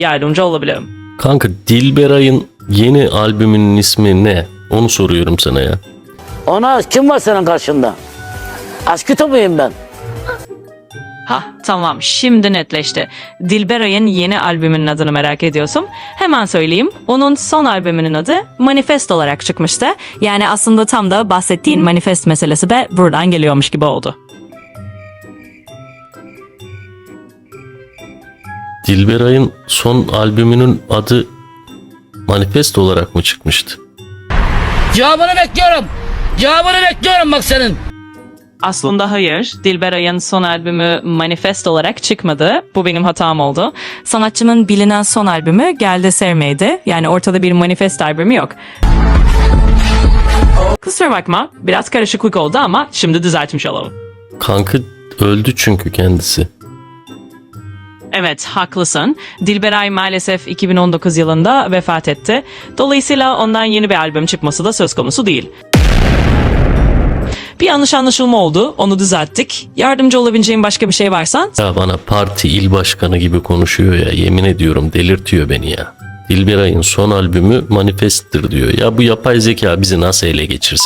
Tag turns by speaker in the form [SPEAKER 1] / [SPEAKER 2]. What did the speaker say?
[SPEAKER 1] yardımcı olabilirim.
[SPEAKER 2] Kanka Dilberay'ın yeni albümünün ismi ne? Onu soruyorum sana ya.
[SPEAKER 3] Ona kim var senin karşında? Aşkı muyum ben?
[SPEAKER 1] Tamam, şimdi netleşti. Dilberay'ın yeni albümünün adını merak ediyorsun. Hemen söyleyeyim. Onun son albümünün adı Manifest olarak çıkmıştı. Yani aslında tam da bahsettiğin manifest meselesi de buradan geliyormuş gibi oldu.
[SPEAKER 2] Dilberay'ın son albümünün adı Manifest olarak mı çıkmıştı?
[SPEAKER 3] Cevabını bekliyorum. Cevabını bekliyorum bak senin.
[SPEAKER 1] Aslında hayır. Dilberay'ın son albümü Manifest olarak çıkmadı. Bu benim hatam oldu. Sanatçının bilinen son albümü Gel de Sevmeydi. Yani ortada bir Manifest albümü yok. Kusura bakma. Biraz karışıklık oldu ama şimdi düzeltmiş olalım.
[SPEAKER 2] Kanka öldü çünkü kendisi.
[SPEAKER 1] Evet, haklısın. Dilberay maalesef 2019 yılında vefat etti. Dolayısıyla ondan yeni bir albüm çıkması da söz konusu değil. Bir yanlış anlaşılma oldu. Onu düzelttik. Yardımcı olabileceğim başka bir şey varsa...
[SPEAKER 2] Ya bana parti il başkanı gibi konuşuyor ya. Yemin ediyorum delirtiyor beni ya. Dilberay'ın son albümü Manifest'tir diyor. Ya bu yapay zeka bizi nasıl ele geçirsin?